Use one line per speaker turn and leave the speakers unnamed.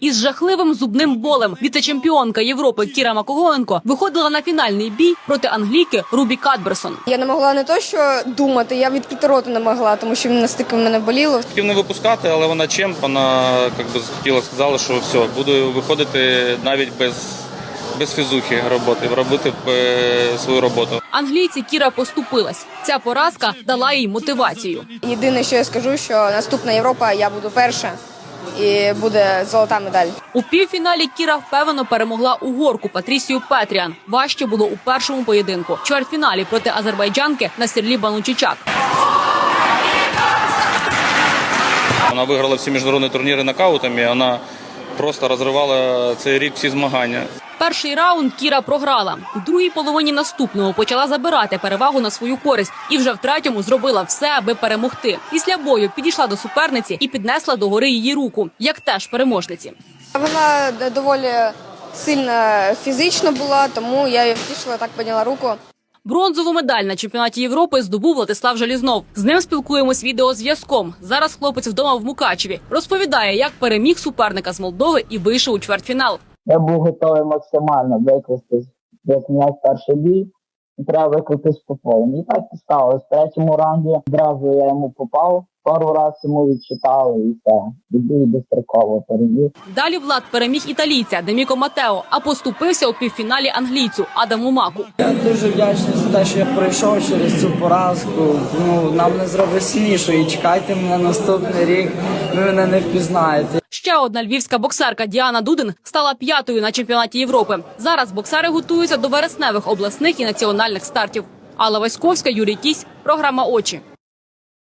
Із жахливим зубним болем віце-чемпіонка Європи Кіра Макогоненко виходила на фінальний бій проти англійки Рубі Кадберсон.
Я не могла не то, що думати, я відкрити рота не могла, тому що настільки в мене боліло.
Хотів не випускати, але вона чемп, вона хотіла, сказала, що все, буду виходити навіть без фізухи робити свою роботу.
Англійці Кіра поступилась. Ця поразка дала їй мотивацію.
Єдине, що я скажу, що наступна Європа я буду перша і буде золота медаль.
У півфіналі Кіра впевнено перемогла угорку Патрісію Петріан. Важче було у першому поєдинку. В чвертьфіналі проти азербайджанки Насірлі Банучичак.
Вона виграла всі міжнародні турніри нокаутами, вона просто розривала цей рік всі змагання.
Перший раунд Кіра програла. У другій половині наступного почала забирати перевагу на свою користь. І вже в третьому зробила все, аби перемогти. Після бою підійшла до суперниці і піднесла догори її руку, як теж переможниці.
Вона доволі сильна фізично була, тому я її втішила, так підняла руку.
Бронзову медаль на чемпіонаті Європи здобув Владислав Желізнов. З ним спілкуємось відеозв'язком. Зараз хлопець вдома в Мукачеві. Розповідає, як переміг суперника з Молдови і вийшов у чвертьфінал.
Я був готовий максимально викластись, як м'яч перший бій, і треба викластись по повній. І так і сталося. В третьому раунді одразу я йому попав, пару разів йому відчитали і все. І достроково переміг.
Далі Влад переміг італійця Деміко Матео, а поступився у півфіналі англійцю Адаму Маку.
Я дуже вдячний за те, що я пройшов через цю поразку. Нам не зробить сильніше і чекайте мене наступний рік, ви мене не впізнаєте.
Ще одна львівська боксерка Діана Дудин стала 5-ю на чемпіонаті Європи. Зараз боксери готуються до вересневих обласних і національних стартів. Алла Васьковська, Юрій Кісь, програма «Очі».